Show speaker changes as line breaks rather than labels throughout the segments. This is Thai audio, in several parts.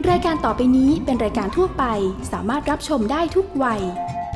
รายการต่อไปนี้เป็นรายการทั่วไปสามารถรับชมได้ทุกวัย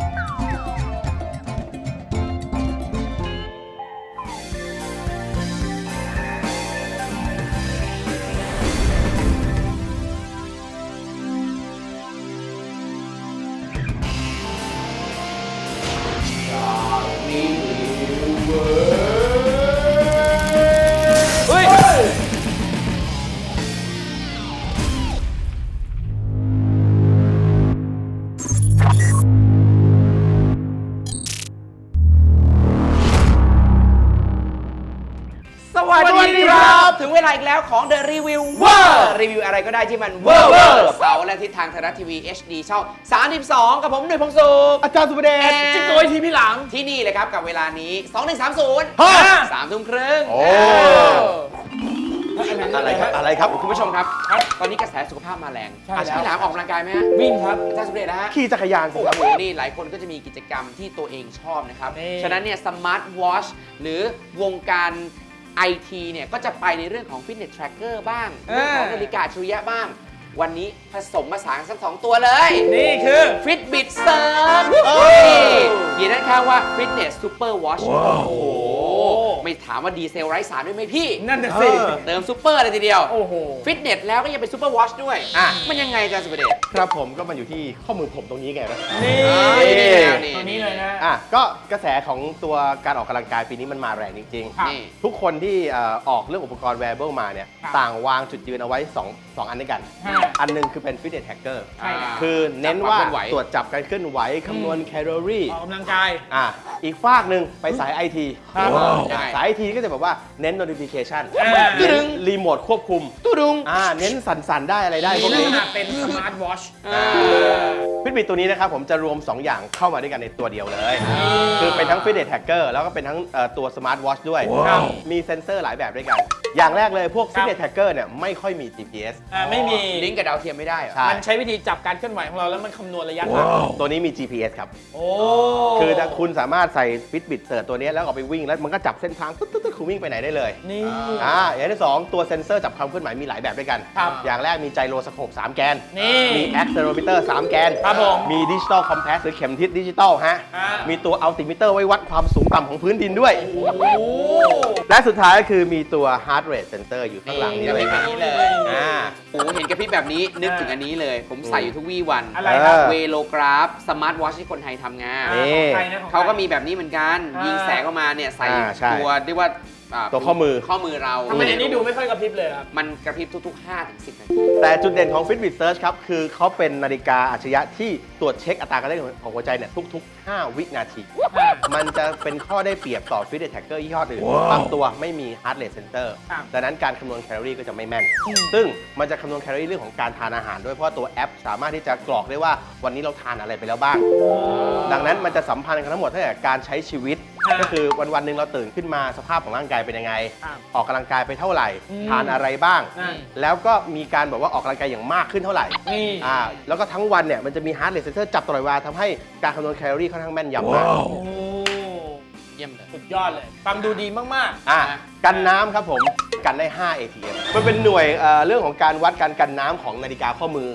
สวัสดีครับถึงเวลาอีกแล้วของ The Reviewer รีวิวอะไรก็ได้ที่มันเวอร์เสาร์และทิศทางไทยรัฐทีวี HD ช่อง 32 กับผมหนุ่ยพงษ์สุข
อาจารย์สุประเดช
จิ๊กโกยทีพี่หลังที่นี่เลยครับกับเวลานี้ 2130 3 ทุ่มครึ่ง
อะไรครับ
คุณผู้ชมครับตอนนี้กระแสสุขภาพมาแรงพี่หลามออกกำลังกายไหมฮะ
วิ่งครับ
อาจารย์สุประเดชนะฮะ
ขี่จักรยาน
โอ้โหนี่หลายคนก็จะมีกิจกรรมที่ตัวเองชอบนะครับฉะนั้นเนี่ยสมาร์ทวอชหรือวงการIT เนี่ยก็จะไปในเรื่องของ Fitness Tracker บ้างเรื่องของนาฬิกาอัจฉริยะบ้างวันนี้ผสมผสานทั้ง2ตัวเลย
นี่คือ
Fitbit Surge เขียนด้านข้างว่า Fitness Super Watch โอ้โหไม่ถามว่าดีเซลไร้สารด้วยไหมพี่
นั่นน่ะสิ
เติมซูเปอร์เลยทีเดียว
โอ้โห
ฟิตเนสแล้วก็ยังเป็นซูเปอร์วอชด้วยมันยังไงอาจารย์สุประเดช
ครับผมก็มันอยู่ที่ข้อมือผมตรงนี้ไงนะ
นี่ตัวนี้เลยนะ
ก็กระแสของตัวการออกกำลังกายปีนี้มันมาแรงจริงๆทุกคนที่ออกเรื่องอุปกรณ์ wearable มาเนี่ยต่างวางจุดยืนเอาไว้2อันด้วยกันอันนึงคือเป็น Fitness Tracker คือเน้นว่าตรวจจับการเคลื่อนไหวคำนวณแคลอรี่
ออกกำลังกาย
อีกฝากหนึ่งไปสาย IT สาย IT ก็จะแบบว่าเน้น notification
ดึง
รีโมทควบคุม
ตู้ดุง
เน้นสั่นๆได้อะไรได้พวกนี้
เป็นสมาร์ทวอช
Fitbit ตัวนี้นะครับผมจะรวม2อย่างเข้ามาด้วยกันในตัวเดียวเลยคือเป็นทั้ง Fitness Tracker แล้วก็เป็นทั้งตัว Smart Watch ด้วยมีเซ็นเซอร์หลายแบบด้วยกันอย่างแรกเลยพวก Fitness Tracker เนี่ยไม่ค่อยมี GPS
ไม่มี
ลิงก์กับดาวเทียมไม่ได้
มันใช้วิธีจับการเคลื่อนไหวของเราแล้วมันคำนวณระยะทาง
ตัวนี้มี GPS ครับคือถ้าคุณสามารถใส่ Fitbit เสิร์ชตัวนี้แล้วออกไปวิ่งแล้วมันก็จับเส้นทางตึ๊ดๆคุณวิ่งไปไหนได้เลย
นี่
อย่างที่2ตัวเซ็นเซอร์จับความเคลื่อนไหวมีหลายแบบด้วยกันอย่างแรกมีไจโรสโคป3แกนมีแอคเซโรมิเตอร์3แกนมีดิจิตอลคอมแพสหรือเข็มทิศดิจิตอลมีตัวอัลติมิเตอร์ไว้วัดความสูงต่ำของพื้นดินด้วยและสุดท้ายก็คือมีตัว Heart Rate Sensor อยู่ข้างหลังนี้เลย
โอ้เห็นกระพริบแบบนี้นึกถึงอันนี้เลยผมใส่อยู่ทุกวี่วันเวโลกราฟสมาร์ทวอชที่คนไทยทำงานเขาก็มีแบบนี้เหมือนกันยิงแสงออกมาเนี่ยใส่ตัวเรียกว่า
ตัวข้อมือ
เรา
ทำไมอันนี้ดูไม่ค่อยกระพริบเลยครับ
มันกระพริบทุกๆ 5-10 นาที
แต่จุดเด่นของ Fitbit Surge ครับคือเขาเป็นนาฬิกาอัจฉริยะที่ตรวจเช็คอัตราการเต้นของหัวใจเนี่ยทุกๆ5 วินาทีมันจะเป็นข้อได้เปรียบต่อ Fitness Tracker ยี่ห้ออื่นบางตัวไม่มี Heart Rate Sensor ดังนั้นการคำนวณแคลอรี่ก็จะไม่แม่นซึ่งมันจะคำนวณแคลอรี่เรื่องของการทานอาหารด้วยเพราะตัวแอปสามารถที่จะกรอกได้ว่าวันนี้เราทานอะไรไปแล้วบ้างดังนั้นมันจะสัมพันธ์กันทั้งหมดตั้งแต่การใช้ชีวิตก็คือวันๆหนึ่งเราตื่นขึ้นมาสภาพของร่างกายเป็นยังไงออกกำลังกายไปเท่าไหร่ทานอะไรบ้างแล้วก็มีการบอกว่าออกกำลังกายอย่างมากขึ้นเท่าไหร่แล้วก็ทั้งวันเนี่ยมันจะมี Heart Rate Sensor จับตลอดเวลาทำให้การคำนวณแคลอรี่ค่อนข้างแม่นยำมาก
เยี่ยมเลยสุดยอดเลยฟังดูดีมาก
ๆกันน้ำครับผมกันได้5 ATM มันเป็นหน่วยเรื่องของการวัดการกันน้ำของนาฬิกาข้อมือ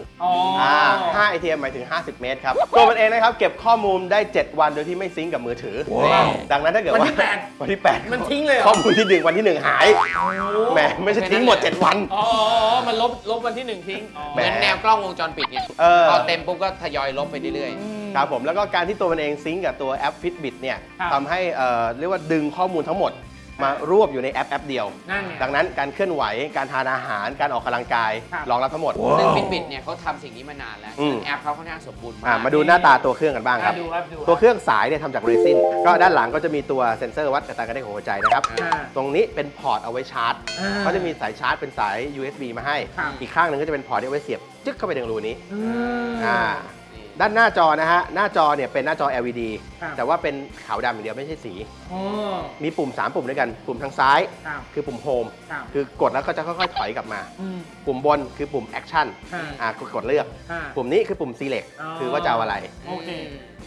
5 ATM หมายถึง50 เมตรครับตัวมันเองนะครับเก็บข้อมูลได้7 วันโดยที่ไม่ซิงก์กับมือถือดังนั้นถ้าเกิดว่าวันที่ 8
มันทิ้งเลย
ข้อมูลที่1วันที่1หายแหมไม่ใช่ทิ้งหมด7 วัน
มันลบวันที่1ทิ้ง
เหมือนแนวกล้องวงจรปิดเนี่ยพอเต็มปุ๊บก็ทยอยลบไปเรื่อย
ๆครับผมแล้วก็การที่ตัวมันเองซิงก์กับตัวแอป Fitbit เนี่ยทำให้เรียกว่าดึงข้อมูลทั้งหมดมารวบอยู่ในแอปเดียวดังนั้นการเคลื่อนไหวการทานอาหารการออกกำลังกายรองรับทั้งหมด
ซึ่ง Fitbit เนี่ยเขาทำสิ่งนี้มานานแล้วแอปเขาค่อนข้างสมบูรณ์มาก
มาดูหน้าตาตัวเครื่องกันบ้างครับตัวเครื่องสายเนี่ยทำจากเรซินก็ด้านหลังก็จะมีตัวเซ็นเซอร์วัดอัตราการเต้นของหัวใจนะครับตรงนี้เป็นพอร์ตเอาไว้ชาร์จเขาจะมีสายชาร์จเป็นสาย USB มาให้อีกข้างหนึ่งก็จะเป็นพอร์ตที่เอาไว้เสียบจึ๊กเข้าไปในรูนี้ด้านหน้าจอนะฮะหน้าจอเนี่ยเป็นหน้าจอ LED แต่ว่าเป็นขาวดำอย่างเดียวไม่ใช่สีมีปุ่ม3 ปุ่มด้วยกันปุ่มทางซ้ายคือปุ่มโฮมคือกดแล้วก็จะค่อยๆถอยกลับมาปุ่มบนคือปุ่มแอคชั่นกดเลือกปุ่มนี้คือปุ่ม select คือว่าจะเอาอะไร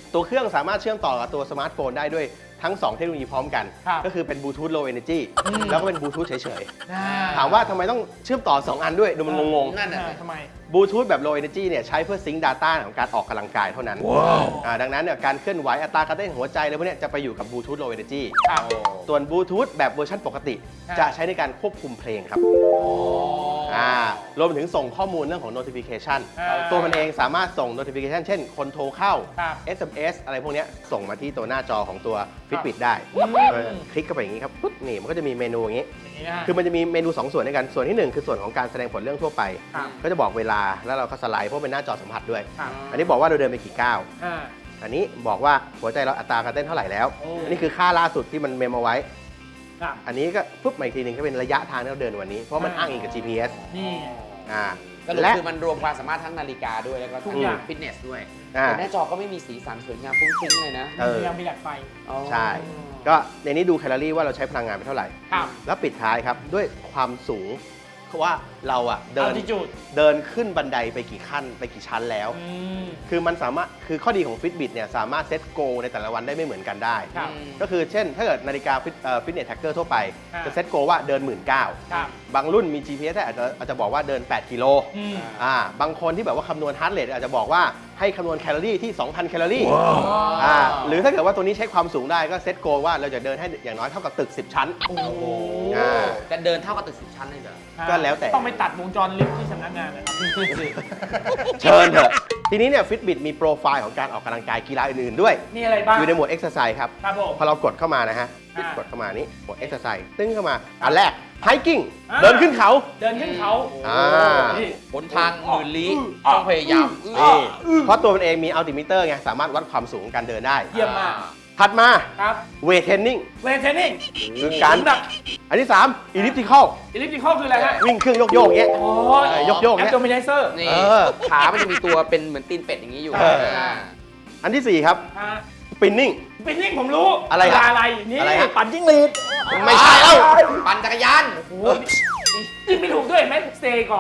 ตัวเครื่องสามารถเชื่อมต่อกับตัวสมาร์ทโฟนได้ด้วยทั้ง 2 เทคโนโลยีพร้อมกัน
ครับ
ก็คือเป็นบลูทูธ low energy แล้วก็เป็นบลูทูธเฉย
อ่า
ๆ ถามว่าทำไมต้องเชื่อมต่อ 2 อันด้วย ดูมันงง
นั่นน่ะสิ
ทำไม
ๆบลูทูธแบบ low energy เนี่ยใช้เพื่อซิงค์ data ของการออกกำลังกายเท่านั้นดังนั้นเนี่ยการเคลื่อนไหวอัตราการเต้นหัวใจอะไรพวกเนี้ยจะไปอยู่กับบลูทูธ low energy
ครับ
ส่วนบลูทูธแบบเวอร์ชันปกติ
ครับ
จะใช้ในการควบคุมเพลงครับรวมถึงส่งข้อมูลเรื่องของ notification ตัวมันเองสามารถส่ง notification เช่น คนโทรเข้า
ครับ
SMS อะไรพวกเนี้ยส่งมาที่ตัวหน้าจอของตัว Fitbit ได้คลิกเข้าไปอย่างนี้ครับปุ๊บนี่มันก็จะมีเมนูอย่างนี้
อย่างนี้นะฮะ
คือมันจะมีเมนู 2 ส่วนด้วยกัน ส่วนที่ 1 คือส่วนของการแสดงผลเรื่องทั่วไป
ครับ
ก็จะบอกเวลาแล้วเราก็สไลด์เพราะเป็นหน้าจอสัมผัสด้วย
ครับ
อันนี้บอกว่าเราเดินไปกี่ก้าว
อ่า
อันนี้บอกว่าหัวใจเราอัตราการเต้นเท่าไหร่แล้ว
โอ้
อันนี้คือค่าล่าสุดที่มันเมมเอาไว้
ครับ
อันนี้ก็ปุ๊บมาอีกทีหนึงก็เป็นระยะทางที่เราเดินวันนี้ เพราะมันอ้างอิงกับ GPS
นี่
อ่า
ก็คือ
และ
คือมันรวมความสามารถทั้งนาฬิกาด้วยแล้วก็
ทุ
ทั้
ก
ง
อย่าง
ฟิตเนสด้วย
อ่า
แต่หน้าจอก็ไม่มีสีสันสวยงามฟุ้งฟิ้งเลยนะ
เออ
ยังมีหลักไฟ
อ๋อ
ใช่ ก็ในนี้ดูแคลอรี่ว่าเราใช้พลังงานไปเท่าไหร่
ครับ
แล้วปิดท้ายครับด้วยความสูงเพราะว่าเราอะเดิน
altitude
เดินขึ้นบันไดไปกี่ขั้นไปกี่ชั้นแล้ว
อืม
คือมันสามารถคือข้อดีของ Fitbit เนี่ยสามารถเซตโกในแต่ละวันได้ไม่เหมือนกันได้
ครับ
ก็คือเช่น ถ้าเกิดนาฬิกาฟิตเนสแท็กเกอร์ทั่วไป
อ่า
จะเซตโกว่าเดิน 19,000
ครับ
บางรุ่นมี GPS อาจจะบอกว่าเดิน 8 กิโล
อืม
บางคนที่แบบว่าคำนวณฮาร์ทเรทอาจจะบอกว่าให้คำนวณแคลอรี่ที่ 2,000 แคลอรี่หรือถ้าเกิดว่าตัวนี้ใช้ความสูงได้ก็เซตโกว่าเราจะเดินให้อย่างน้อยเท่ากับตึก 10 ชั้น
โอ้โห
อ่า
จะเดินเท่ากับตึก10 ชั้นเลยเหรอ
ก็แล้วแต่
ต้องไปตัดวงจรลิฟต์ที่สำนักงานนะครับ
เชิญเถอะทีนี้เนี่ย Fitbit มีโปรไฟล์ของการออกกำลังกายกีฬาอื่นๆด้วย
มีอะไรบ้าง
อยู่ในหมวด Exercise ครับ
ครับผม
พอเรากดเข้ามานะฮะ
อ่าก
ดเข้ามานี้หมวด Exercise ตึ้งเข้ามา อันแรก Hiking
อ่า
เดินขึ้นเขา
เดินขึ้นเขา
อ่า
นี่
หนทางหมื่นลี้ต้องพยายาม
นี่เพราะตัวมันเองมีอัลติมิเตอร์ไง สามารถวัดความสูงการเดินได้
เยี่ยมมาก
ถัดมา
ครับ
เวทเทรนนิ่ง
เวทเทรนนิ่ง
คือการ
หนัก
อันที่ 3 Elliptical
อิลิปติคอลคืออะไรฮะ
วิ่งเครื่องโยกๆอย่างเงี้ย
โอ้
โยกๆ
แอ
เนี่
ป
ย
โดมิเนเซอร์
นี่
เออ
ขามันจะมีตัวเป็นเหมือนตีนเป็ดอย่างนี้อยู่
เออ อันทีสี่4 ครับ Spinning
ปินนิ่งผมรู้
อะไรฮะ
อะไร นี่
อะไรฮะ
ปั่นจิ้งหรีด
ไม่ใช่เอ้า
ปั่นจักรยาน
โอ้ยจิ้งไม่ถูกด้วยแม่เซก่อน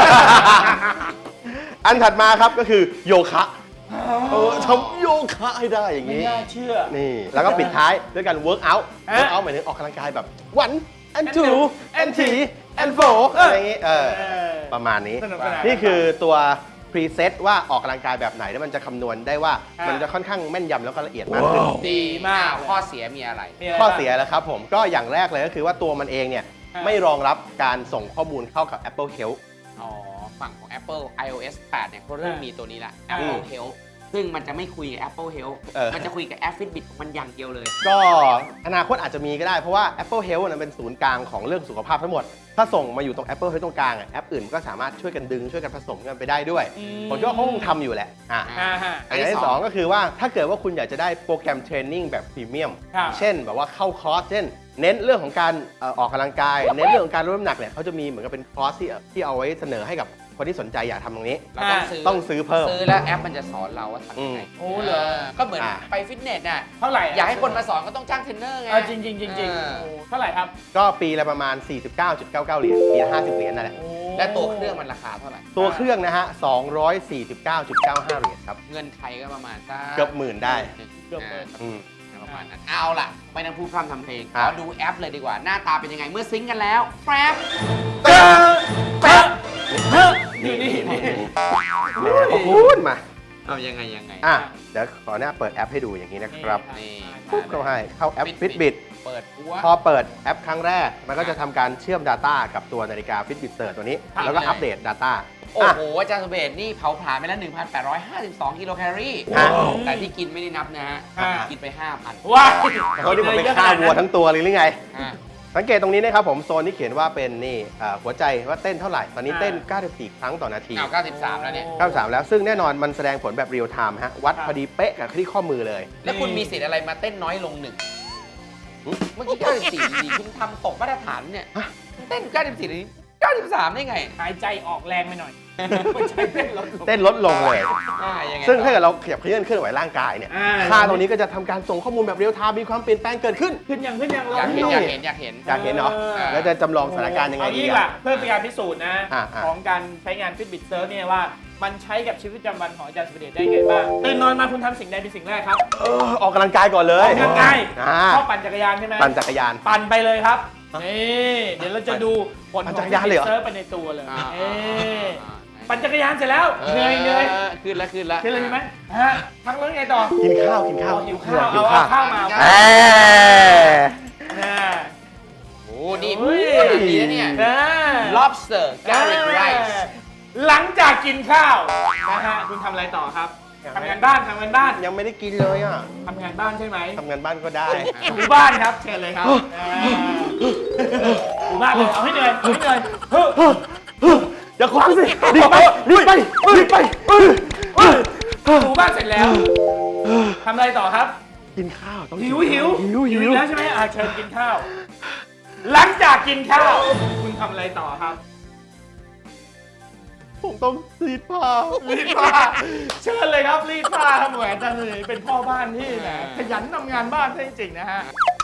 อันถัดมาครับก็คือโยคะทำโยคะให้ได้อย่าง
ไม่
นี้
น่าเชื่อ
นี่ แล้วก็ปิดท้ายด้วยการ work out
ฮะ
work out หมายถึงออกกำลังกายแบบ one and
and
two
two
and three and four อะไรอย่างงี้ประมาณนี้
สนุกสนาน
นี่คือตัวพรีเซตว่าออกกำลังกายแบบไหนแล้วมันจะคำนวณได้ว่า
ฮะ
มันจะค่อนข้างแม่นยำแล้วก็ละเอียดมากขึ้น
ดีมากข้อเสียมีอะไร
มีะไร
ข้อ
บ้าง
เสียแล้วครับผมก็อย่างแรกเลยก็คือว่าตัวมันเองเนี่ย
ฮะ
ไม่รองรับการส่งข้อมูลเข้ากับ Apple Health
อ๋อ ฝั่งของ Apple iOS 8 เนี่ยเขาเริ่มมีตัวนี้ละ Apple
อืม
Health ซึ่งมันจะไม่คุยกับ Apple Health
เออ
มันจะคุยกับแอป Fitbit ของมันอย่างเดียวเลย
ก็อนาคตอาจจะมีก็ได้เพราะว่า Apple Health นั้นเป็นศูนย์กลางของเรื่องสุขภาพทั้งหมด ถ้าส่งมาอยู่ตรง Apple Health ตรงกลางอะแอปอื่นก็สามารถช่วยกันดึงช่วยกันผสมกันไปได้ด้วย ผมคิดว่าเขาคงทำอยู่แหละ
อ่
อ่ะ
ฮะ
อันที่สองก็คือว่าถ้าเกิดว่าคุณอยากจะได้โปรแกรมเทรนนิ่งแบบพรีเมียม
ครับ
เช่นแบบว่าเข้าคอร์สเช่น เน้นเรื่องของการออกกำลังกาย เน้นเรื่องของการลดน้ำหนักเนี่ยเขาจะมีเหมือนกับเป็นคอร์สที่เอาไว้เสนอให้กับคนที่สนใจอยากทำตรงนี้
เราต้องซื้อ
ต้องซื้อเพิ่ม
ซื้อแล้วแอปมันจะสอนเราว่าทำยังไง
โอ้เหรอ
ก็เหมือน
อ่า
ไปฟิตเนสน่ะ
เท่าไหร่ะ
อยากให้คนมาสอนก็ต้องจ้างเทรนเนอร์ไง
จริงจริงจริง
เออ
เท่าไหร่ครับ
ก็ปีละประมาณ 49.99 เหรียญปีละ50 เหรียญนั่นแหละ
โอ้
และตัวเครื่องมันราคาเท่าไหร่
ตัวเครื่องนะฮะ 249.95 เหรียญครับ
เงินไทยก็ประมาณสัก
เกือบหมื่นได้
เกือบหมื่น
อืม
ประมาณนั้นเอาล่ะ ไม่ต้องพูดพร่ำทำเพลง
ค
ข
รับ
อดูแอปเลยดีกว่า หน้าตาเป็นยังไงเมื่อซิงค์กันแล้วแฟบ
นี่นี่นี่
แหมขอบคุณมา
เอายังไง
อ่ะ เดี๋ยวขอหน้าเปิดแอปให้ดูอย่างนี้นะครับ
นี่
ปุ๊บเข้าให้เข้าแอป Fitbit
เปิดหัว
พอเปิดแอปครั้งแรก มันก็จะทำการเชื่อม Data กับตัวนาฬิกา Fitbit Search ตัวนี้
ครับ
แล้วก็อัปเดต Data
โอ้
อ่ะ
โห อาจารย์สุเบศนี่เผาผลาญไปแล้ว 1,852 กิโลแคลอรี่
อ่ะ
แต่ที่กินไม่ได้นับนะฮะ
อ่า
กินไป 5,000
ว้าย
เขาที่ผมไปฆ่าวัวทั้งตัวเลยหรือไง
อ่า
สังเกตตรงนี้นะครับผมโซนที่เขียนว่าเป็นนี่หัวใจว่าเต้นเท่าไหร่ ตอนนี้เต้น 94 ครั้งต่อนาที
เอา93 แล้วเนี่ย
93 แล้วซึ่งแน่นอนมันแสดงผลแบบเรียลไทม์ฮะ วัดพอดีเป๊ะกับที่ข้อมือเลย
แล้วคุณมีสิทธิ์อะไรมาเต้นน้อยลงหนึ่ง เมื่อกี้ 94ดีคุณทำตกมาตรฐานเนี่ย
ฮะ
คุณเต้น 94นี้ 93 ได้ไง
หายใจออกแรงไปหน่อยหัวใจเต้นลดลง
เต้นลดลงเลย
ยังไง
ซึ่งถ้าเกิดเราขยับเคลื่อนไหวร่างกายเนี่ย
อ่า
ค่าตรงนี้ก็จะทำการส่งข้อมูลแบบเรียลไทม์มีความเปลี่ยนแปลงเกิดขึ้น
ขึ้นยังเรา
อยากเห็น
อ
อยากเห็นอยากเห็น
อยากเห็นเนาะ แล้วจะจำลองสถานการณ์ยังไง
เอา
ดี
งี้ล่ะเพื่อเป็นการพิสูจน์นะ
อ่า
ของการใช้งาน Fitbit Search เนี่ยว่ามันใช้กับชีวิตประจำวันของอาจารย์สุเดชได้ไงบ้างตื่นนอนมาคุณทำสิ่งใดเป็นสิ่งแรกครับ
ออกกำลังกายก่อนเล
อย อกกำลังกาย
อ่า
ชอบปั่นจักรยานใช่ไหม
ปั่นจักรยาน
ปั่นไปเลยครับนี่เดี๋ยวเราจะดูผลข
ปั่
อน ง
จักรยานเลยเหรอ
Fitbit Search ไปในตัวเลย
อ่า
เอ๊ะปั่นจักรยานเสร็จแล้วเหนื่อย
ขึ้นแล้วขึ้นแล้ว
ขึ้นเลยใช่ไหมฮะพักแล้วไงต่อ
กินข้าว
หิวข้าวเอาข้าวมา
เอ้ย
อ่า
โอ้นี่พูดขนาดนี้แล้วเนี่ย lobster garlic rice
หลังจากกินข้าวนะฮะคุณทำอะไรต่อครับทำงานบ้าน
ยังไม่ได้กินเลยอ่ะ
ทำงานบ้านใช่ไหม
ทำงานบ้านก็ได้
ถูบ้านครับเชิญเลยครับถูบ้านเลยเอาให้เหนื่อยเฮ้ย
อย่าขวางสิรีบไปรีบไป
ถูบ้านเสร็จแล้วทำอะไรต่อครับ
กินข้าวต้อง
หิว
หิว
อีกแล้วใช่ไหมเชิญกินข้าว หลังจากกินข้าว คุณทำอะไรต่อครับ
ผมต้องรีดผ้า
รีดผ้าเชิญเลยครับรีดผ้าครับแหวนจันเลยเป็นพ่อบ้านที่นะขยันทำงานบ้านจริงๆนะฮะ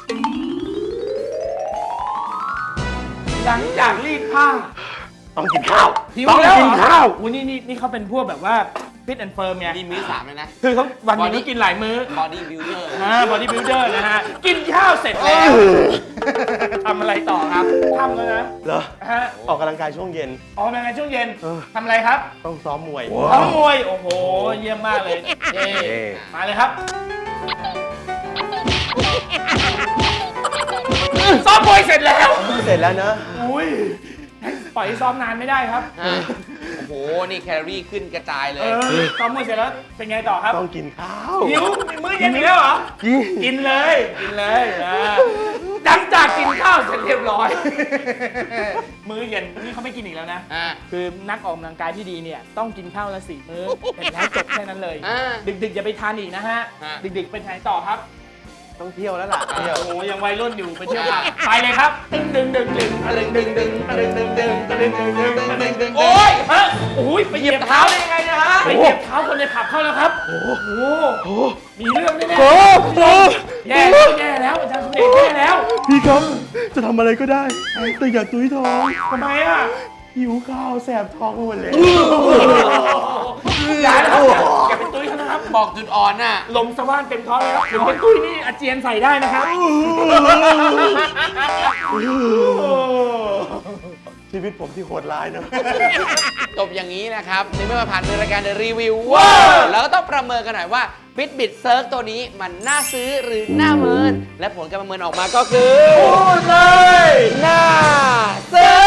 หลังจากรีดผ้า
ต้องกินข้าว
หิว
ต้อง
แล้ว
กินข้าว
อู้นี่เขาเป็นพวกแบบว่าฟิตแอนด์เฟิร์มไง
นี่มื้อ3เลยนะ
คือเขาวันหนึงก็กินหลายมื้อ
body builder
บอดี้บิลเดอร์นะฮะกินข้าวเสร็จแล้วทำอะไรต่อครับทำแล้วนะ
เหรอ
ฮะ
ออกกำลังกายช่วงเย็น
ออกกำลังกายช่วงเย็น
เออ
ทำอะไรครับ
ต้องซ้อมมวย
ซ้อมมวยโอ้โหเยี่ยมมากเลยเย้
เย้
มาเลยครับซ้อมมวยเสร็จแล้ว
เสร็จแล้วนะ
อุ้ยปล่อยให้ซ้อมนานไม่ได้ครับ
โอ้โห นี่แคลอรี่ขึ้นกระจายเล
เอย อซ้อมมวยเสร็จแล้วเป็นไงต่อครับ
ต้องกินข้าว
หิวมื้อเย็นอีกแล้วเหรอ กินเลยหลังจากกินข้าวเสร็จเรียบร้อย มื้อเย็นนี่เขาไม่กินอีกแล้วนะ
อ่า
คือนักออกกำลังกายที่ดีเนี่ยต้องกินข้าวละ4 มื้อเสร็จแล้วจบแค่นั้นเลย
อ่า
ดึกๆอย่าไปทานอีกนะฮะ
ฮะ
ดึกๆไปไหนต่อครับ
ต้องเที่ยวแล้วล่ะเที่ยว
โอ้ยังวัยรุ่นอยู่ไปเที่ยวผับไปเลยครับดึงโอ้ยฮะโอ้ยไปเหยียบเท้าได้ยังไงนะฮะไปเหยียบเท้าคนในผับเข้าแล้วครับโอ้โหมีเรื่องแน่ๆแย่แล้วอาจารย์สุเดชแย่แล้ว
พี่ครับจะทำอะไรก็ได้แต่อย่าตุ้ยท้อง
ทำไมอ่ะ
หิวข้าวแสบท้องหมดเลย
อย่านะครับอย่าเป็นตุ้ยเขานะครับ
บอกจุดอ่อนน่ะ
ลมสว่านเต็มท้องเลยครับถึงเป็นตุ้ยนี่อาเจียนใส่ได้นะครับ
ชีวิตผมที่โหดร้ายนะ
จบอย่างนี้นะครับในเมื่อมาผ่านรายการ The Review ว้าแล้วก็ต้องประเมินกันหน่อยว่า Fitbit Search ตัวนี้มันน่าซื้อหรือน่าเมิน และผลการประเมินออกมาก็คือพูดเลยน่าซื้อ